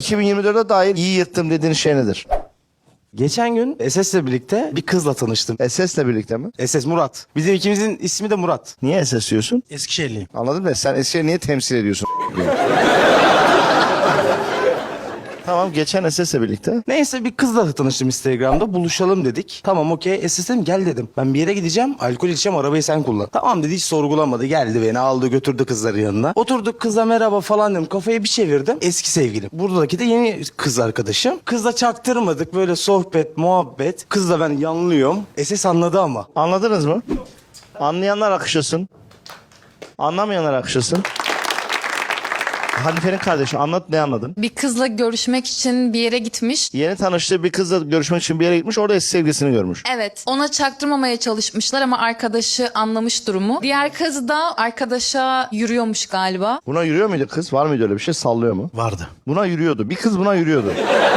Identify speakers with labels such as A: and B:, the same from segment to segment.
A: 2024'e dair iyi yırttım dediğin şey nedir?
B: Geçen gün SS'le birlikte bir kızla tanıştım.
A: SS'le birlikte mi?
B: SS Murat. Bizim ikimizin ismi de Murat.
A: Niye SS diyorsun?
C: Eskişehirliyim.
A: Anladın mı? Sen Eskişehir'i niye temsil ediyorsun? Tamam, geçen SS'le birlikte.
B: Neyse bir kızla tanıştım Instagram'da. Buluşalım dedik. Tamam okey. SS dedim gel dedim. Ben bir yere gideceğim. Alkol içeceğim. Arabayı sen kullan. Tamam dedi, hiç sorgulamadı. Geldi beni aldı götürdü kızların yanına. Oturduk, kıza merhaba falan dedim. Kafayı bir çevirdim. Eski sevgilim. Buradaki de yeni kız arkadaşım. Kızla çaktırmadık. Böyle sohbet, muhabbet. Kızla ben yanlıyorum. SS anladı ama.
A: Anladınız mı? Anlayanlar akışlasın. Anlamayanlar akışlasın. Hanife'nin kardeşi anlat, ne anladın?
D: Bir kızla görüşmek için bir yere gitmiş.
A: Yeni tanıştığı bir kızla görüşmek için bir yere gitmiş. Orada eski sevgilisini görmüş.
D: Evet. Ona çaktırmamaya çalışmışlar ama arkadaşı anlamış durumu. Diğer kız da arkadaşa yürüyormuş galiba.
A: Buna yürüyor muydu kız? Var mıydı öyle bir şey? Sallıyor mu?
C: Vardı.
A: Buna yürüyordu. Bir kız buna yürüyordu.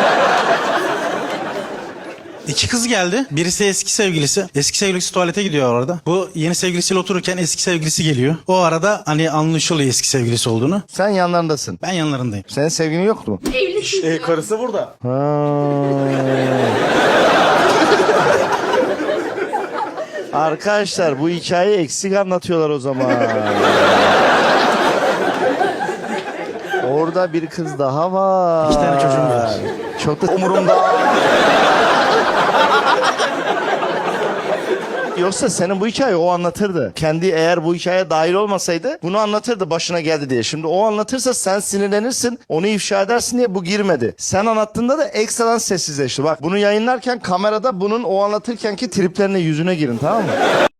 C: İki kız geldi. Birisi eski sevgilisi. Eski sevgilisi tuvalete gidiyor orada. Bu yeni sevgilisiyle otururken eski sevgilisi geliyor. O arada hani anlaşılıyor eski sevgilisi olduğunu.
A: Sen yanlarındasın.
C: Ben yanlarındayım.
A: Senin sevgilin yoktu mu?
B: Karısı burada.
A: Arkadaşlar bu hikayeyi eksik anlatıyorlar o zaman. Orada bir kız daha var.
C: 2 tane çocuğum var.
A: Çok da umurumda. Yoksa senin bu hikayeyi o anlatırdı. Kendi eğer bu hikayeye dahil olmasaydı bunu anlatırdı başına geldi diye. Şimdi o anlatırsa sen sinirlenirsin, onu ifşa edersin diye bu girmedi. Sen anlattığında da ekstradan sessizleşti. Bak bunu yayınlarken kamerada bunun o anlatırkenki triplerine yüzüne girin, tamam mı?